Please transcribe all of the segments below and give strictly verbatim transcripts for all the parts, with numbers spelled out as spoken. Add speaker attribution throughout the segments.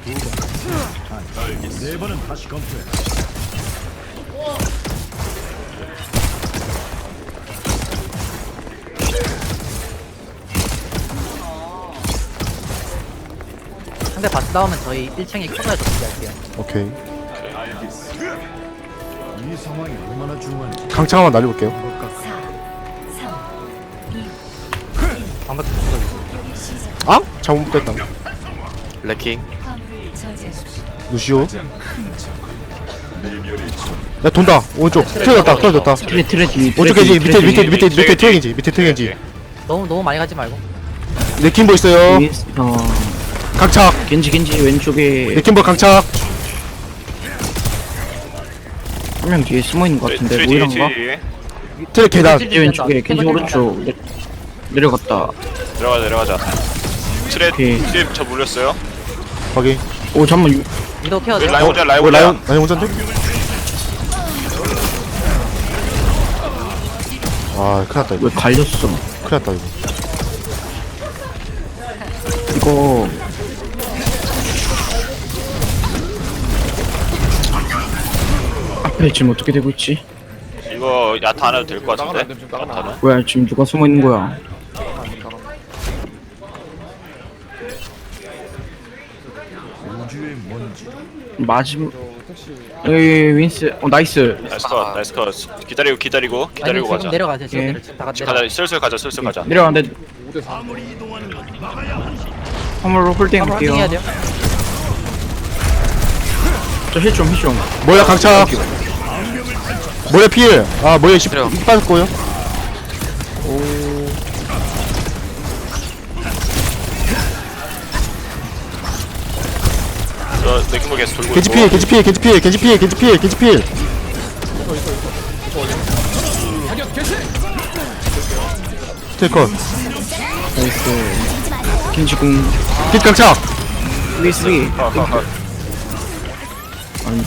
Speaker 1: 네 번은 다시 검토해.
Speaker 2: 상대 바스 나오면 저희 일 층에 코너에서 준비할게요.
Speaker 3: 오케이.
Speaker 1: 이 상황이 얼마나 중요한지
Speaker 3: 강창 한번 날려볼게요.
Speaker 2: 방금
Speaker 3: 아? 잘못됐다.
Speaker 4: 레킹.
Speaker 3: 루시오. 야 돈다. 오른쪽. 틀어졌다. 틀어졌다.
Speaker 5: 트레 트레 뒤
Speaker 3: 오른쪽 겐지 밑에 밑에 밑에 밑에 트레 겐지 밑에 트레 겐지.
Speaker 2: 너무 너무 많이 가지 말고.
Speaker 3: 레킹볼 있어요.
Speaker 5: 어
Speaker 3: 강착.
Speaker 5: 겐지 겐지 왼쪽에
Speaker 3: 레킹볼 강착.
Speaker 5: 한 명 뒤에 숨어 있는 것 같은데
Speaker 4: 트레 뒤에
Speaker 5: 모이란가?
Speaker 4: 뒤에.
Speaker 3: 트레 계단.
Speaker 5: 겐지 왼쪽에 겐지 오른쪽 내, 내려갔다.
Speaker 4: 내려가자 내려가자. 트레
Speaker 5: 오케이.
Speaker 4: 트레 저 물렸어요.
Speaker 3: 확인.
Speaker 5: 오 잠만 유-
Speaker 2: 위도 케어
Speaker 4: 여기
Speaker 2: 돼요.
Speaker 4: 라인 오자 라인
Speaker 3: 어,
Speaker 4: 오자.
Speaker 3: 라이온 라이온 혼잔데? 아 큰일났다 이거.
Speaker 5: 왜 갈렸어?
Speaker 3: 큰일났다 이거.
Speaker 5: 이거 앞에 지금 어떻게 되고 있지?
Speaker 4: 이거 야타 안 해도 될 것 같은데. 야타는.
Speaker 5: 뭐야 지금 누가 숨어 있는 거야?
Speaker 1: 우주의 먼지.
Speaker 5: 마지막 여기 윈스 어 나이스.
Speaker 4: 나이스 컷 나이스 컷. 기다리고 기다리고
Speaker 2: 아니
Speaker 4: 기다리고
Speaker 2: 지금
Speaker 4: 가자.
Speaker 2: 내려가세요. 지금
Speaker 5: 예.
Speaker 2: 내려. 지금 다 같이
Speaker 4: 가자
Speaker 2: 내려.
Speaker 4: 슬슬 가자 슬슬 가자.
Speaker 5: 내려가는데 화물로 홀딩
Speaker 2: 한번
Speaker 5: 할게요.
Speaker 2: 확인해야 돼요.
Speaker 5: 저힐좀힐좀
Speaker 3: 뭐야 강착. 뭐야 필. 아 뭐야 십
Speaker 4: 그래요.
Speaker 3: 빠졌고요.
Speaker 4: 저 레킹볼 계속 돌고
Speaker 3: 겐지
Speaker 4: 있고.
Speaker 3: 필 겐지 필 겐지 필 겐지 필 겐지 필 겐지 필. 테이컨.
Speaker 5: 나이스. 겐지 궁
Speaker 3: 빛 강착.
Speaker 5: 윈스
Speaker 4: 컷, 컷, 컷.
Speaker 5: 아니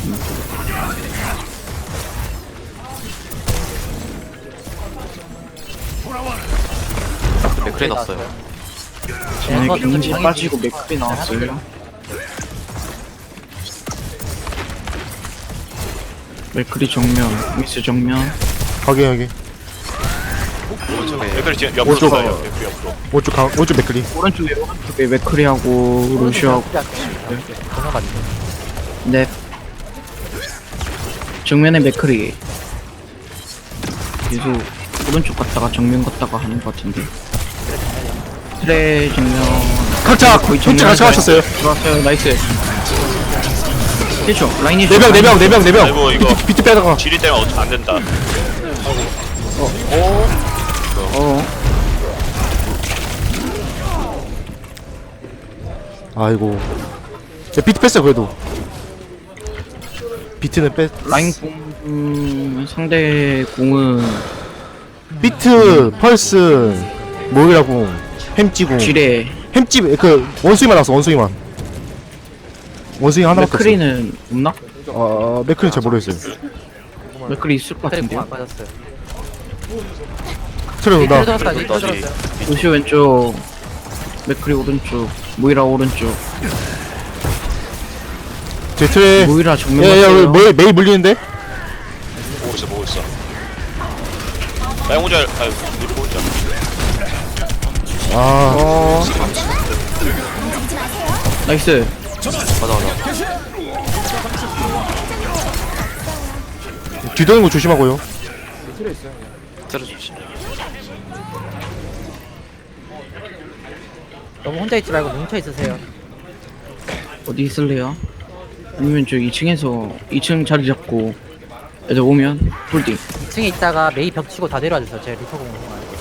Speaker 4: 맥크리 났어요.
Speaker 5: 쟤네
Speaker 2: 거
Speaker 5: 겐지
Speaker 2: 좀
Speaker 5: 빠지고 맥크리 나왔어요. 맥크리 정면 윈스 정면
Speaker 3: 확인 확인.
Speaker 4: 맥크리 지금 옆으로
Speaker 3: 오른쪽.
Speaker 4: 돌아요. 맥크리 옆으로.
Speaker 3: 오른쪽 강 오른쪽 맥크리.
Speaker 5: 오른쪽에 오른쪽에 맥크리하고 루시하고
Speaker 2: 전화 받죠.
Speaker 5: 네 정면에 맥크리 계속 오른쪽 갔다가 정면 갔다가 하는 것 같은데 트레 정면
Speaker 3: 강착.
Speaker 5: 거의
Speaker 3: hitch
Speaker 5: 정면에
Speaker 3: 같이 맞췄어요.
Speaker 5: 들어왔어요. 나이스 힐죠 라인이
Speaker 3: 네 명 네 명 네 명 네 명.
Speaker 4: 아이고, 이거.
Speaker 3: 비트 비트 빼다가.
Speaker 4: 지리 때문에 어떻게 안 된다.
Speaker 5: 어
Speaker 3: 아이고. 야, 비트 뺐어 그래도. 비트는 뺐.
Speaker 5: 라인 공 음, 상대 공은
Speaker 3: 비트 펄스 뭐이라고 햄찌고
Speaker 5: 지뢰
Speaker 3: 햄찌 그 원숭이만 나왔어 원숭이만. 원숭이 하나밖에 없어.
Speaker 5: 맥크리는 없나?
Speaker 3: 어 맥크리는 잘 모르겠어요.
Speaker 5: 맥크리 있을 것
Speaker 2: 트랙
Speaker 5: 같은데요.
Speaker 2: 공안 빠졌어요.
Speaker 3: 트레
Speaker 2: 네,
Speaker 3: 온다.
Speaker 2: 들어갔어요. 네,
Speaker 4: 다시.
Speaker 2: 들어갔어요.
Speaker 5: 루시 왼쪽 맥크리 오른쪽 모이라 오른쪽
Speaker 3: 제 트레.
Speaker 5: 모이라 정면
Speaker 3: 야야
Speaker 5: 갔어요.
Speaker 3: 뭐 메이 물리는데?
Speaker 4: 보고 있어 보고 있어. 라인 오자. 아유 이리 오자.
Speaker 3: 아.
Speaker 5: 어 나이스
Speaker 4: 가자 가자.
Speaker 3: 뒤도는 거 조심하고요.
Speaker 4: 트레 조심.
Speaker 2: 너무 혼자 있지 말고 뭉쳐 있으세요.
Speaker 5: 어디 있을래요? 아니면 저 이 층에서 이 층 자리 잡고 애들 오면 홀딩
Speaker 2: 이 층에 있다가 메이 벽 치고 다 내려와 주세요. 제 리퍼 공을.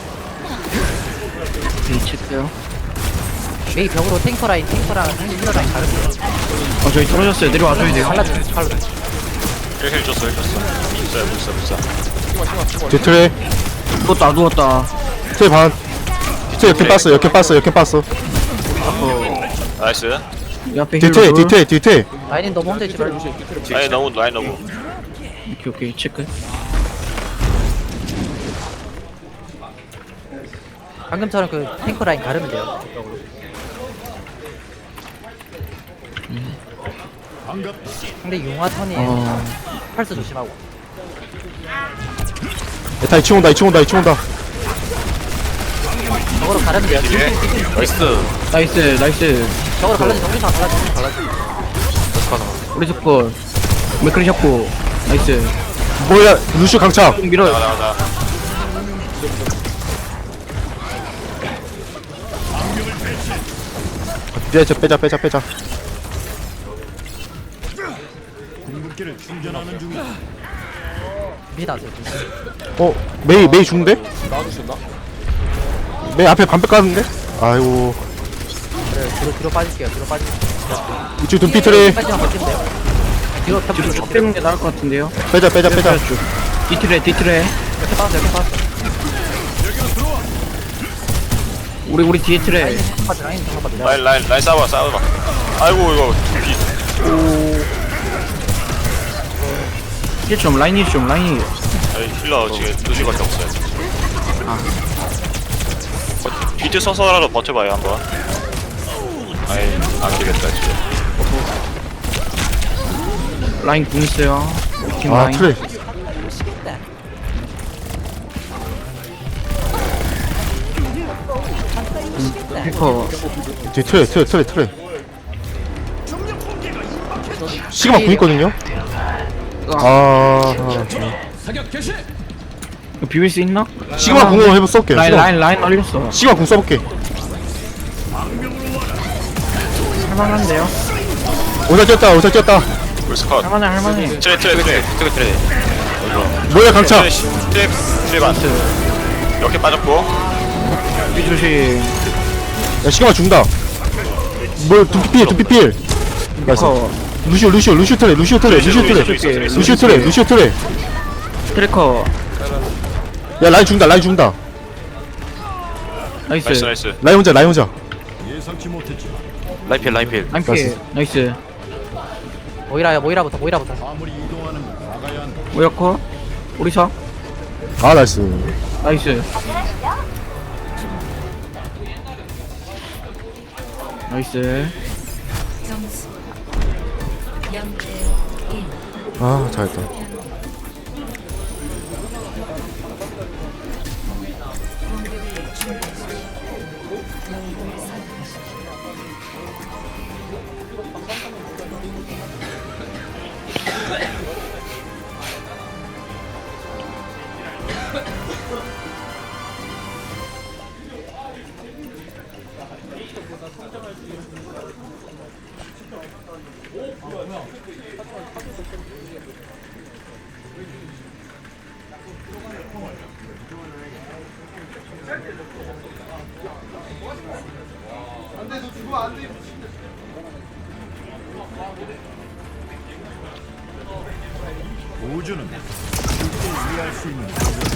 Speaker 5: 이 체크요.
Speaker 2: 메이 벽으로 탱커 라인, 탱커랑 힐러 라인 가르쳐요.
Speaker 5: 어 저희 떨어졌어요. 내려와줘야 돼요.
Speaker 2: 발라주세요. 발라주세요.
Speaker 4: 힐 줬어 힐 줬어. 있어요 있어 있어.
Speaker 3: 제 트레.
Speaker 5: 누웠다 누웠다.
Speaker 3: 트레 반. 트레 역행 빻어 역행 빻어 역행 빻어.
Speaker 4: 나이스.
Speaker 5: 이 앞에
Speaker 3: 뒤트레
Speaker 5: 힐
Speaker 3: 뒤트레 뒤트레.
Speaker 2: 라인은 너무 혼자 있지 말고.
Speaker 4: 라인 너무 라인 너무.
Speaker 5: 오케이 오케이 체크.
Speaker 2: 방금처럼 그 탱커 라인 가르면 돼요.
Speaker 1: 반갑다.
Speaker 2: 상대 융화 턴이
Speaker 5: 어
Speaker 2: 펄스 조심하고.
Speaker 3: 다 이층 온다 이층 온다 이층 온다.
Speaker 2: 저거로 가려면 돼요.
Speaker 4: 뒤에 나이스.
Speaker 5: 나이스 나이스.
Speaker 2: 저거로 갈라지 정리상 갈라지 갈라지.
Speaker 5: 우리 스콜 맥크리 잡고 나이스.
Speaker 3: 뭐야 루슈 강착.
Speaker 5: 좀 밀어.
Speaker 4: 나가 나가.
Speaker 3: 빼자 빼자 빼자 빼자.
Speaker 1: 궁극기를 충전하는 중이다.
Speaker 2: 미나세요.
Speaker 3: 어 메이 메이 죽는데?
Speaker 4: 나와줄 수 있나?
Speaker 3: 메이 앞에 반백 가는데? 아이고
Speaker 2: 그래 뒤로 뒤로 빠질게요. 뒤로 빠질게요.
Speaker 3: 이쪽 둠피 트레.
Speaker 2: 빠지면 버티면 돼요. 뒤로 펴
Speaker 5: 뒤로 쭉 빼는 게 나을 것 같은데요.
Speaker 3: 빼자 빼자 빼자.
Speaker 5: 뒤틀에 뒤틀에.
Speaker 2: 이렇게 빠졌어 이렇게 빠졌어.
Speaker 5: 우리 우리 뒤에 틀에.
Speaker 2: 라인 잠깐만 라인 잠깐만 내려.
Speaker 4: 라인 라인 라인 싸봐 싸봐. 아이고 이거 비.
Speaker 5: 힐 좀 라인 힐좀 라인 힐.
Speaker 4: 아이, 힐러 지금 루시밖에 없어요. 버- 비트 서서라도 버텨봐요 한번. 아이 안 되겠다 지금.
Speaker 5: 라인 궁 있어요. 팀
Speaker 3: 아
Speaker 5: 라인.
Speaker 3: 트레.
Speaker 2: 미치겠다.
Speaker 5: 힐커.
Speaker 3: 뒤 트레 트레 트레 트레. 시그마 궁 있거든요. 아
Speaker 5: 이거 비빌 수 있나?
Speaker 3: 시그마 궁으로 해보 쏠게.
Speaker 5: 라인
Speaker 3: 시그마
Speaker 5: 라인 라인 올렸어.
Speaker 3: 시그마 궁 써볼게.
Speaker 5: 할만한데요?
Speaker 3: 오살 뛰었다 오살 뛰었다.
Speaker 4: 울스 컷.
Speaker 5: 할만해 할만해.
Speaker 4: 트레 트레 트레 트레 트레.
Speaker 3: 뭐야 강착.
Speaker 4: 트레 시- 트레 트레 반. 이렇게 빠졌고.
Speaker 5: 비 조심.
Speaker 3: 야 시그마 죽는다. 뭘 둠피 필 둠피 필. 나이스.
Speaker 5: 힐커.
Speaker 3: 루시오 루시오 루시오 트레 루시오 트레 루시오 트레 루시오 트레 루시오 트레.
Speaker 5: 트래커.
Speaker 3: 야 라인 죽는다 라인 죽는다.
Speaker 5: 나이스.
Speaker 4: 나이스 나이스.
Speaker 3: 라인 혼자 라인 혼자.
Speaker 1: 예상치 못했지.
Speaker 4: 라인필 라인필.
Speaker 5: 라인 피해. 나이스.
Speaker 2: 모이라요 모이라부터 모이라부터.
Speaker 1: 아무리 이동하는 건 막아야 한다.
Speaker 5: 오야커. 우리 사.
Speaker 3: 아 나이스.
Speaker 5: 나이스. 나이스.
Speaker 6: 점수 영 대 일.
Speaker 3: 아 잘했다.
Speaker 6: 공격을 준비하십시오. 영웅을 선택하십시오.
Speaker 1: 우주는 쉽게 이해할 수 있는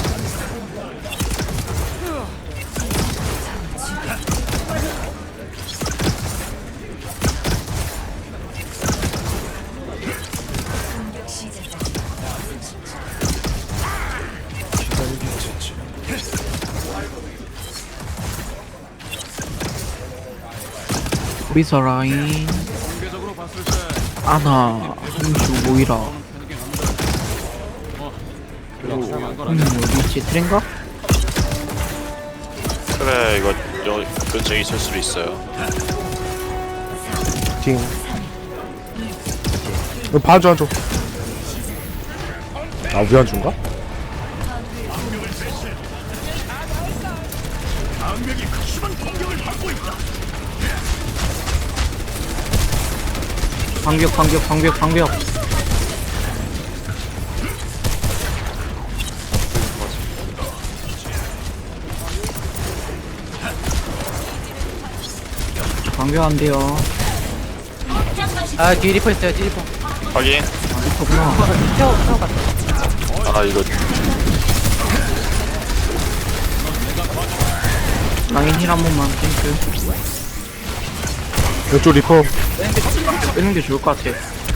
Speaker 6: 공격 시작.
Speaker 5: 우리 사 라인. 아나. 한주 모이라. 음 어디 있지? 트렌가?
Speaker 4: 그래 이거 여 근처에 있을 수도 있어요.
Speaker 3: 팅. 이거 봐줘 한줘. 아 우리 안 준가?
Speaker 5: 방벽 방벽 방벽 방벽. 방벽 안 돼요.
Speaker 2: 아 뒤에 리퍼 있어요 뒤에 리퍼.
Speaker 4: 확인.
Speaker 5: 그렇구나.
Speaker 2: 태워 태워 갔어.
Speaker 4: 아 이거
Speaker 5: 라인 힐 한 번만 땡큐.
Speaker 3: 왼쪽 리퍼.
Speaker 5: 빼는 게 좋을 것 같아.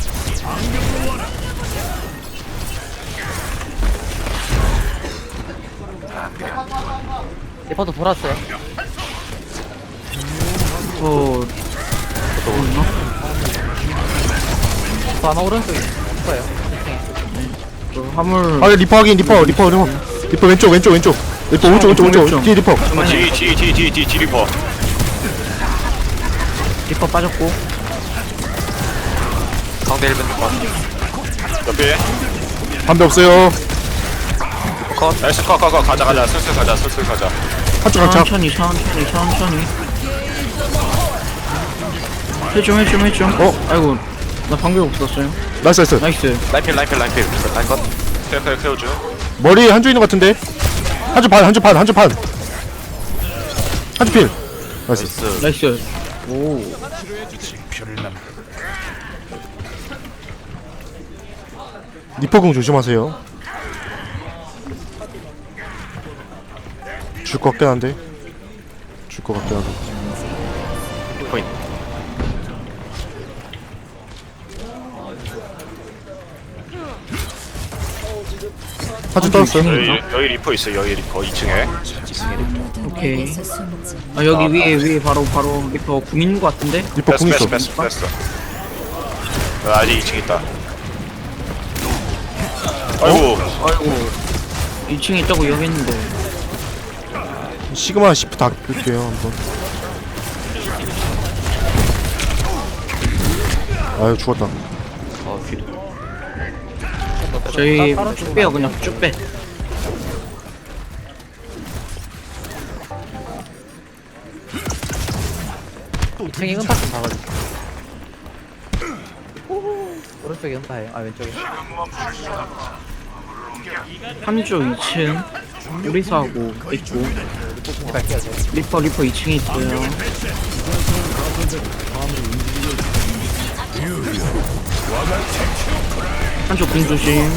Speaker 2: 리퍼도 돌았어요.
Speaker 5: 어... 또 있나?
Speaker 2: 리퍼 아마 오른쪽에 리퍼예요.
Speaker 5: 저 화물
Speaker 3: 아 리퍼 확인 리퍼 리퍼 리퍼 리퍼 왼쪽 왼쪽 왼쪽 리퍼 오른쪽 왼쪽 왼쪽 뒤에 리퍼
Speaker 4: 뒤, 뒤, 뒤, 뒤, 뒤, 뒤 리퍼.
Speaker 5: 리퍼 빠졌고
Speaker 4: 상대 일 벤 옆에.
Speaker 3: 반대 없어요
Speaker 4: 컷. 나이스, 컷, 컷, 컷. 가자, 가자. 슬슬 가자, 슬슬 가자.
Speaker 3: 한쪽 한쪽
Speaker 5: 천천히 천천히 천천히 해좀 해좀 해좀
Speaker 3: 어?
Speaker 5: 아이고 나 방금 없었어요.
Speaker 3: 나이스 나이스
Speaker 5: 나이스.
Speaker 4: 라인필, 라인필, 라인필. 라인 컷. 케어, 케어, 케어 줘.
Speaker 3: 머리 한쪽 있는 것 같은데 한쪽 반 한쪽 반 한쪽 반 한쪽 필 나이스
Speaker 5: 나이스. 오.
Speaker 3: 리퍼궁 조심하세요 줄 것 같긴 한데 줄 것 같긴 한데
Speaker 4: 포인트.
Speaker 3: 한쪽 떨었어요
Speaker 4: 여기, 여기 리퍼 있어요, 여기 리퍼. 이 층에.
Speaker 5: 오케이.
Speaker 6: 에서 숨지.
Speaker 5: 아 여기 위에 위에 바로 바로 리퍼 궁 있는 것 같은데?
Speaker 3: 리퍼 궁
Speaker 4: 뺐어,
Speaker 3: 있어
Speaker 4: 뺐어, 뺐어, 뺐어. 어, 아직 이 층 있다. 아이고.
Speaker 5: 아이고 이 층에 있다고 여기 있는데.
Speaker 3: 시그마 시프 다 끌게요 한번 아유 죽었다
Speaker 4: 어, 귀.
Speaker 5: 저희 쭉 빼요 그냥 쭉 빼.
Speaker 2: 이 층에 음파 좀 봐가지고. 오른쪽에 음파예요. 아 왼쪽에.
Speaker 5: 삼조 이 층 우리사하고 있고
Speaker 2: 갈게요. 제가.
Speaker 5: 리퍼 리퍼 이 층에 있어요. 한쪽 궁 조심.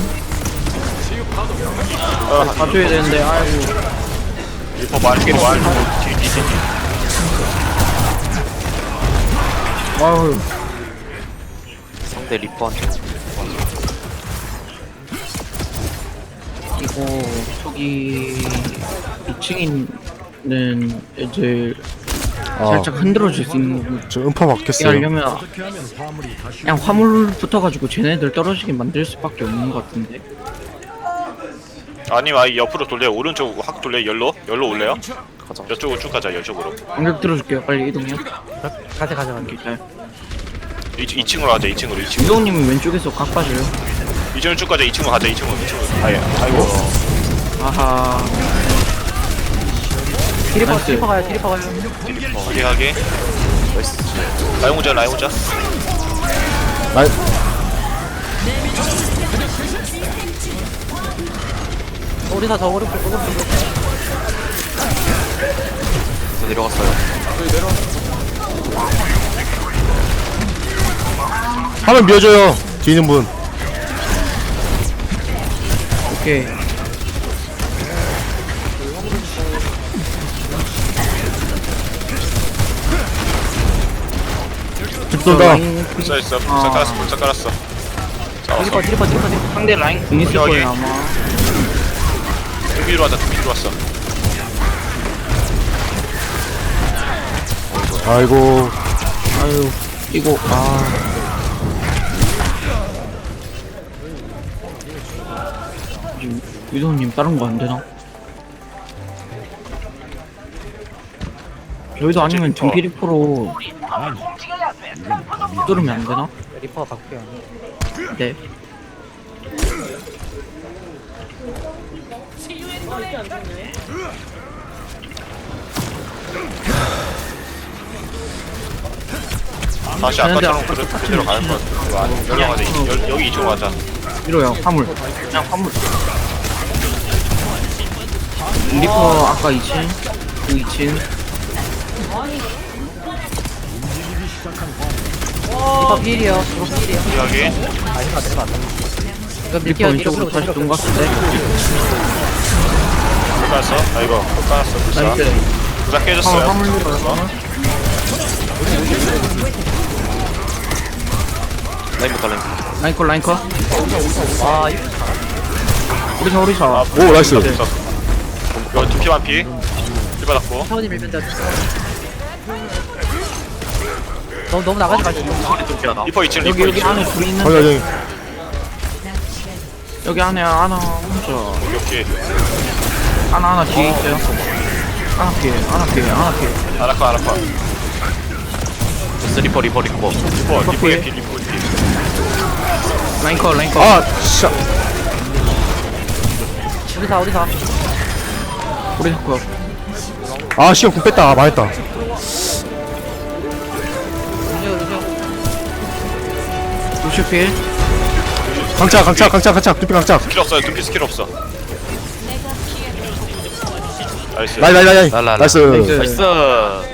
Speaker 5: 아, 봐줘야 되는데 아이고.
Speaker 4: 리퍼 많이 끼리 많이. 뒤, 뒤, 뒤, 뒤.
Speaker 5: 아유
Speaker 4: 상대 리퍼한테.
Speaker 5: 이거 저기 이 층에 있는 애들
Speaker 3: 아
Speaker 5: 살짝 흔들어줄 수 있는 거고
Speaker 3: 저 음파
Speaker 5: 이렇게
Speaker 3: 맞겠어요
Speaker 5: 하려면
Speaker 1: 어떻게 하면 화물이 다시
Speaker 5: 그냥 화물 붙어가지고 쟤네들 떨어지게 만들 수밖에 없는 것 같은데.
Speaker 4: 아니면 아예 옆으로 돌려요. 오른쪽 확 돌려요. 열로? 열로 올래요? 가자. 이쪽으로 쭉 가자, 이쪽으로.
Speaker 5: 공격 들어줄게요. 빨리 이동해요.
Speaker 2: 가자 가자 가자.
Speaker 5: 잘.
Speaker 4: 이, 이 층으로 가자, 이 층으로, 이 층으로.
Speaker 5: 이동님은 왼쪽에서 각 빠져요.
Speaker 4: 이 층으로 쭉 가자, 이 층으로 가자, 이 층으로, 이 층으로. 아예, 아이고.
Speaker 5: 아하.
Speaker 2: 디리퍼
Speaker 5: 나이스.
Speaker 2: 디리퍼 가요. 디리퍼 가요.
Speaker 4: 어디 가게? 라인 오자, 라인 오자.
Speaker 3: 라인
Speaker 2: 우리사 저 오른쪽 오른쪽.
Speaker 4: 저 내려갔어요.
Speaker 3: 화면 밀어줘요 뒤에 있는 분
Speaker 5: 오케이.
Speaker 3: 집 쏜다
Speaker 5: 라인
Speaker 4: 불사 있어, 불사 깔았어, 불사 깔았어. 잡았어.
Speaker 2: 디리퍼 디리퍼 디리퍼 디리퍼.
Speaker 5: 상대 라인 공 있을
Speaker 4: 여기.
Speaker 5: 거예요 아마.
Speaker 4: 두비로 왔다, 두비로 왔어.
Speaker 3: 아이고
Speaker 5: 아유 이거 아. 지금 유도님 다른 거 안 되나? 저희도 아니면 등피리프로 뚫으면 안 되나?
Speaker 2: 리퍼 바꿀게요.
Speaker 5: 네.
Speaker 4: 다시 아까처럼 그래, 그대로 가는 거 같아. 이거 아니, 여기 가자, 이- 여- 여기 이쪽으로 가자.
Speaker 5: 이로요 화물. 그냥 화물. 리퍼 아까 이 층, 그 이 층.
Speaker 2: 리퍼 필이요. 리퍼 필이요.
Speaker 4: 여기.
Speaker 2: 아 리퍼 내려가. 이거
Speaker 5: 리퍼
Speaker 2: 밀게요.
Speaker 5: 왼쪽으로 다시 돈 갔을 때.
Speaker 4: 불 깔았어? 아, 이거, 불 깔았어, 불사.
Speaker 5: 나이스.
Speaker 4: 불사
Speaker 5: 화물
Speaker 4: 깨졌어요.
Speaker 5: 화물 리퍼요 화물.
Speaker 4: 라인부터, 라인.
Speaker 5: 라인컷 라인컷.
Speaker 2: 아 이거
Speaker 5: 우리사 우리사.
Speaker 3: 오 나이스
Speaker 4: 이거 두피 완피. 피 받았고.
Speaker 2: 차원이 밀면 돼. 너무 너무 나가지 마시고.
Speaker 4: 리퍼 이 층
Speaker 5: 여기
Speaker 4: 리퍼
Speaker 5: 여기
Speaker 4: 이 층.
Speaker 5: 안에 둘이
Speaker 3: 거기
Speaker 5: 있는데
Speaker 3: 여기
Speaker 5: 여기 안에 하나 혼자
Speaker 4: 오케이.
Speaker 5: 하나 하나 뒤에 있어요. 하나 피해 하나 피해 하나 피해.
Speaker 4: 아라카 아라카.
Speaker 7: 리퍼 리퍼 리퍼
Speaker 4: 리퍼 리퍼의 피 리퍼의 피.
Speaker 5: 라인커 라인커.
Speaker 3: 아 진짜
Speaker 2: 우리 사 우리 사.
Speaker 5: 우리 자꾸
Speaker 3: 아 시간 궁 뺐다 아, 망했다
Speaker 2: 루시오 루시오.
Speaker 5: 루시오 피해.
Speaker 3: 강착 강착 강착 강착 두피 강착
Speaker 4: 스킬 없어요. 둠피 스킬 없어. 나이스.
Speaker 3: 라이 라이 라이
Speaker 7: 랄랄라.
Speaker 3: 나이스
Speaker 5: 나이스.
Speaker 7: 나이스